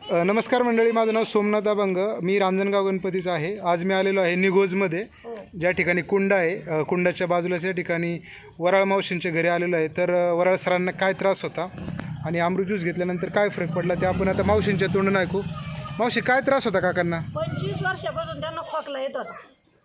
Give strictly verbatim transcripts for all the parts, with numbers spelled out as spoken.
अ, नमस्कार मंडळी, माझं नाव सोमनाथ अभंग. मी रांजणगाव गणपतीचा आहे. आज मी आलेलो आहे निगोजमध्ये, ज्या ठिकाणी कुंड आहे. अ, कुंडाच्या बाजूलाच या ठिकाणी वराळ मावशींच्या घरी आलेलो आहे. तर अ, वराळ सरांना काय त्रास होता आणि अमृत ज्यूस घेतल्यानंतर काय फरक पडला ते आपण आता मावशींच्या तोंडून ऐकू. मावशी, काय त्रास होता काकांना? पंचवीस वर्षापासून त्यांना खोकला येत होता.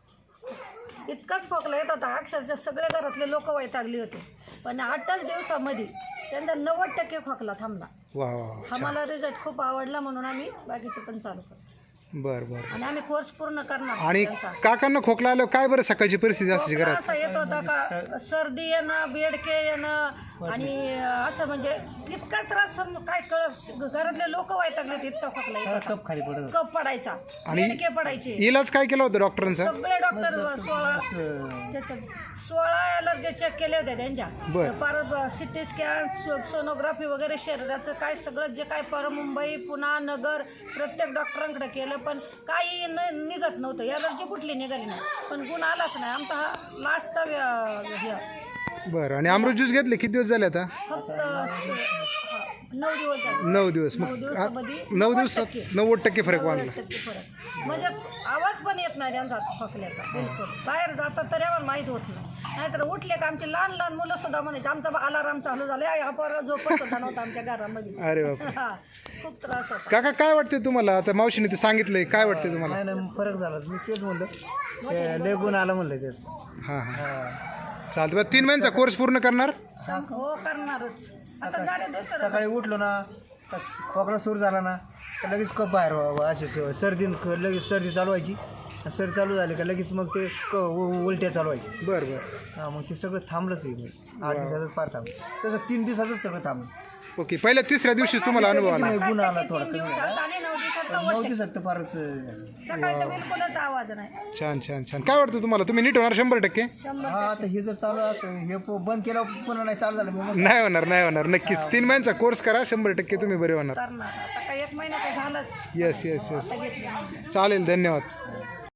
इतकाच खोकला येत होता, अक्षरशः सगळे घरातले लोक वैतागली होते. पण आठच दिवसामध्ये त्यांचा नव्वद टक्के खोकला थांबला. वा वा वा. आम्हाला रिझल्ट खूप आवडला म्हणून आम्ही बाकीचे पण चालू करतो बरं बरं. आणि आम्ही कोर्स पूर्ण करणार. आणि त्यांचा काकांना खोकला आल्यावर काय बरं सकाळची परिस्थिती असते खोकला घरात? असा येत होता का सर्दी येणं, बेडके येणं आणि असं म्हणजे इतका त्रास सम- काय कळ घरातले लोक वैतागले होते. इतका खोकला येत होता. कप खाली पडत कप पडायचा, आणि बेडके पडायचे. इलाज काय केला होता डॉक्टरांचा? सगळे डॉक्टर सोळा त्याचं सोळा एलर्जी चेक केले होते त्यांच्या. बरं. परत सिटी स्कॅन, सोनोग्राफी वगैरे शरीराचं काय सगळं जे काय पर मुंबई, पुणा, नगर प्रत्येक डॉक्टरांकडे केलं, पण काही न निघत नव्हतं. एलर्जी कुठली निघाली नाही, पण गुण आलाच नाही. आमचा हा लास्टचा व्य- हे बरं. आणि अमृत ज्यूस घेतले किती दिवस झाले आता? फक्त नऊ दिवस झाले. नऊ दिवस. नऊ मग दिवसामध्ये आ- नऊ दिवसात टक्के. नव्वद टक्के फरक वाढला. नव्वद टक्के फरक. म्हणजे आवाज पण येत नाही त्यांचा खोकल्याचा बिलकुल. बाहेर जातात तरी आम्हाला माहीत होत नाही. नाहीतर उठले का आमचे लहान लहान मुलं सुद्धा म्हणायचे आमचा अलाराम चालू झाला, हा परत झोपत सुद्धा नव्हता आमच्या घरामध्ये. अरे बाप. हा, खूप त्रास होता. काका, काय वाटते तुम्हाला? आता मावशीने ते सांगितलंय, काय वाटते तुम्हाला? नाही नाही फरक झालाच. मी तेच म्हणलं ते लय गुण आला म्हणलं तेच. हां हां, चालतं. बरं, तीन महिन्याचा कोर्स पूर्ण करणार? हो, करणारच. आता झाले दुसरं. सकाळी उठलो ना तर खोकला सुरू झाला ना तर लगेच कप बाहेर व्हावं. अशी स- सर्दी लगेच सर्दी चालू व्हायची. आणि सर्दी चालू झाली का लगेच मग ते क उ- उलट्या चालू व्हायची. बरं बरं. हां, मग ते सगळं थांबलंच आहे. मग आठ दिवसातच फार थांबलं. तसं तीन दिवसातच सगळं थांबलं. ओके. पहिल्या तिसऱ्या दिवशी तुम्हाला अनुभव आला? नाही, गुण आला थोडा तीन कमी दिवसात झाला. आणि नऊ दिवसात पण नव्वद नऊ टक्के. दिवसात तर फारच झालं. सकाळी तर बिलकुलच आवाज नाही. छान छान छान. काय वाटतं तुम्हाला? तुम्ही नीट होणार शंभर टक्के? शंभर हा, आता हे जर चालू असं हे प- बंद केलं पुन्हा नाही चालू झालं. मी म्हणलं, नाही होणार, नाही होणार. नक्कीच तीन महिन्याचा कोर्स करा, शंभर टक्के तुम्ही बरे होणार. करणार. आता काही एक महिन्याचं झालंच. Yes yes yes. आता घेतलं. चालेल, धन्यवाद.